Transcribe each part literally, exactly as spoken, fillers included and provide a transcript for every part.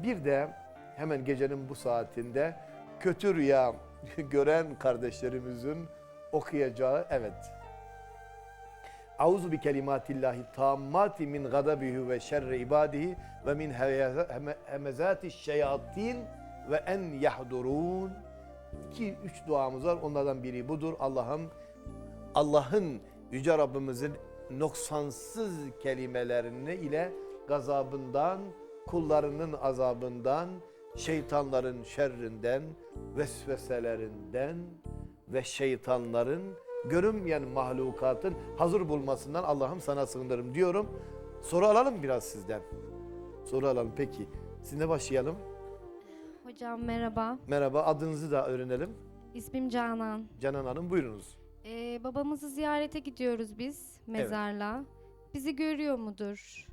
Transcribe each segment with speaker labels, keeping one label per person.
Speaker 1: bir de hemen gecenin bu saatinde kötü rüya gören kardeşlerimizin okuyacağı, evet. Auzu bi kelimatillahi tammati min gadabihi ve şerri ibadihi ve min hemezati şeyatin ve en yahdurun. İki, üç duamız var. Onlardan biri budur. Allah'ım, Allah'ın, Yüce Rabbimizin noksansız kelimelerini ile gazabından, kullarının azabından, şeytanların şerrinden, vesveselerinden ve şeytanların, görünmeyen mahlukatın hazır bulmasından Allah'ım sana sığınırım diyorum. Soru alalım biraz sizden. Soru alalım peki. Sizinle başlayalım.
Speaker 2: Hocam merhaba.
Speaker 1: Merhaba, adınızı da öğrenelim.
Speaker 2: İsmim Canan.
Speaker 1: Canan Hanım, buyurunuz.
Speaker 2: Ee, babamızı ziyarete gidiyoruz biz mezarlığa. Bizi görüyor mudur?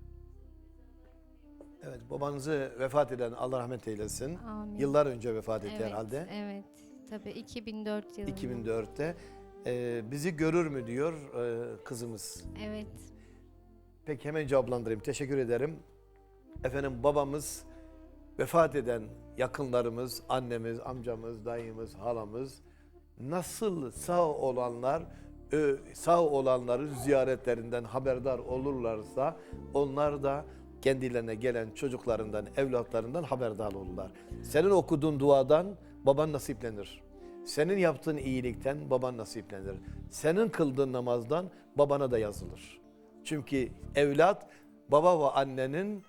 Speaker 1: Evet, babanızı vefat eden Allah rahmet eylesin.
Speaker 2: Amin.
Speaker 1: Yıllar önce vefat etti
Speaker 2: Evet,
Speaker 1: herhalde.
Speaker 2: evet. Tabii iki bin dört yılında.
Speaker 1: iki bin dörtte. Ee, bizi görür mü diyor e, kızımız.
Speaker 2: Evet.
Speaker 1: Peki hemen cevaplandırayım. Teşekkür ederim. Efendim, babamız, vefat eden yakınlarımız, annemiz, amcamız, dayımız, halamız, nasıl sağ olanlar ö, sağ olanların ziyaretlerinden haberdar olurlarsa onlar da kendilerine gelen çocuklarından, evlatlarından haberdar olurlar. Senin okuduğun duadan baban nasiplenir. Senin yaptığın iyilikten baban nasiplenir. Senin kıldığın namazdan babana da yazılır. Çünkü evlat baba ve annenin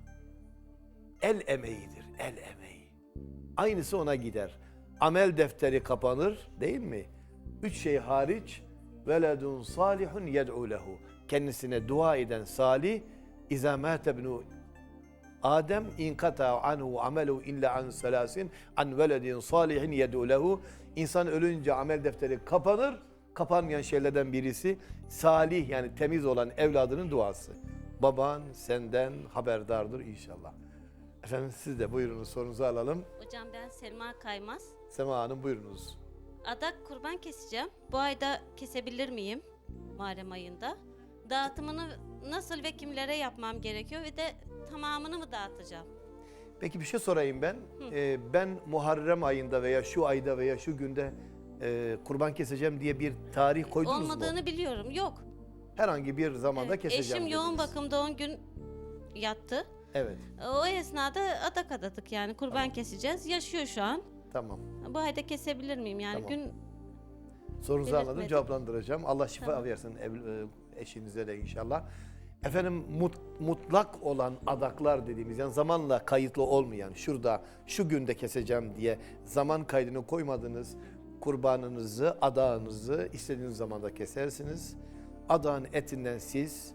Speaker 1: el emeğidir, el emeği. Aynısı ona gider. Amel defteri kapanır, değil mi? Üç şey hariç, veledun salihun yed'u lehu. Kendisine dua eden salih, İzâ mâte ibnu Adem inkata anhu amelu illa an selasin an veledin salihin yed'u lehu. İnsan ölünce amel defteri kapanır. Kapanmayan şeylerden birisi salih, yani temiz olan evladının duası. Baban senden haberdardır inşallah. Efendim siz de buyurunuz, sorunuzu alalım.
Speaker 3: Hocam ben Selma Kaymaz.
Speaker 1: Sema Hanım buyurunuz.
Speaker 3: Adak kurban keseceğim. Bu ayda kesebilir miyim? Muharrem ayında. Dağıtımını nasıl ve kimlere yapmam gerekiyor ve de tamamını mı dağıtacağım?
Speaker 1: Peki bir şey sorayım ben. Ee, ben Muharrem ayında veya şu ayda veya şu günde e, kurban keseceğim diye bir tarih koydunuz mu?
Speaker 3: Olmadığını biliyorum. Yok.
Speaker 1: Herhangi bir zamanda
Speaker 3: Evet,
Speaker 1: keseceğim
Speaker 3: eşim yoğun
Speaker 1: dediniz.
Speaker 3: bakımda on gün yattı.
Speaker 1: Evet,
Speaker 3: O esnada adak adadık, yani kurban
Speaker 1: Tamam.
Speaker 3: keseceğiz. Yaşıyor şu an.
Speaker 1: tamam.
Speaker 3: Bu ayda kesebilir miyim? Yani
Speaker 1: Tamam.
Speaker 3: gün
Speaker 1: Sorunuzu
Speaker 3: Belirtmedim.
Speaker 1: anladım, cevaplandıracağım. Allah şifa
Speaker 3: Tamam.
Speaker 1: versin ev, e, eşinize de inşallah. Efendim, mut, mutlak olan adaklar dediğimiz, yani zamanla kayıtlı olmayan, şurada şu günde keseceğim diye zaman kaydını koymadığınız kurbanınızı, adağınızı istediğiniz zamanda kesersiniz. Adağın etinden siz,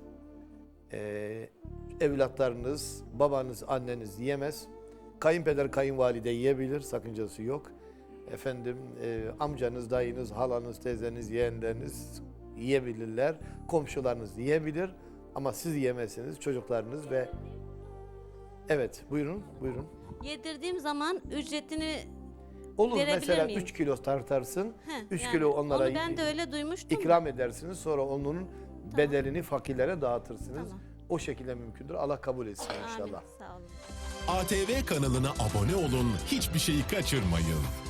Speaker 1: e, evlatlarınız, babanız, anneniz yiyemez. Kayınpeder, kayınvalide yiyebilir, sakıncası yok. Efendim, e, amcanız, dayınız, halanız, teyzeniz, yeğenleriniz yiyebilirler. Komşularınız yiyebilir ama siz yiyemezsiniz, çocuklarınız ve... Evet, buyurun, buyurun.
Speaker 3: yedirdiğim zaman ücretini
Speaker 1: Olur,
Speaker 3: verebilir
Speaker 1: mesela
Speaker 3: miyim?
Speaker 1: üç kilo tartarsın,
Speaker 3: Heh,
Speaker 1: üç
Speaker 3: yani
Speaker 1: kilo onlara
Speaker 3: onu ben de öyle duymuştum.
Speaker 1: ikram edersiniz, sonra onun bedelini fakirlere dağıtırsınız.
Speaker 3: Tamam.
Speaker 1: O şekilde mümkündür. Allah kabul etsin
Speaker 3: Amin.
Speaker 1: inşallah.
Speaker 3: Sağ olun.
Speaker 4: A T V kanalına abone olun, hiçbir şeyi kaçırmayın.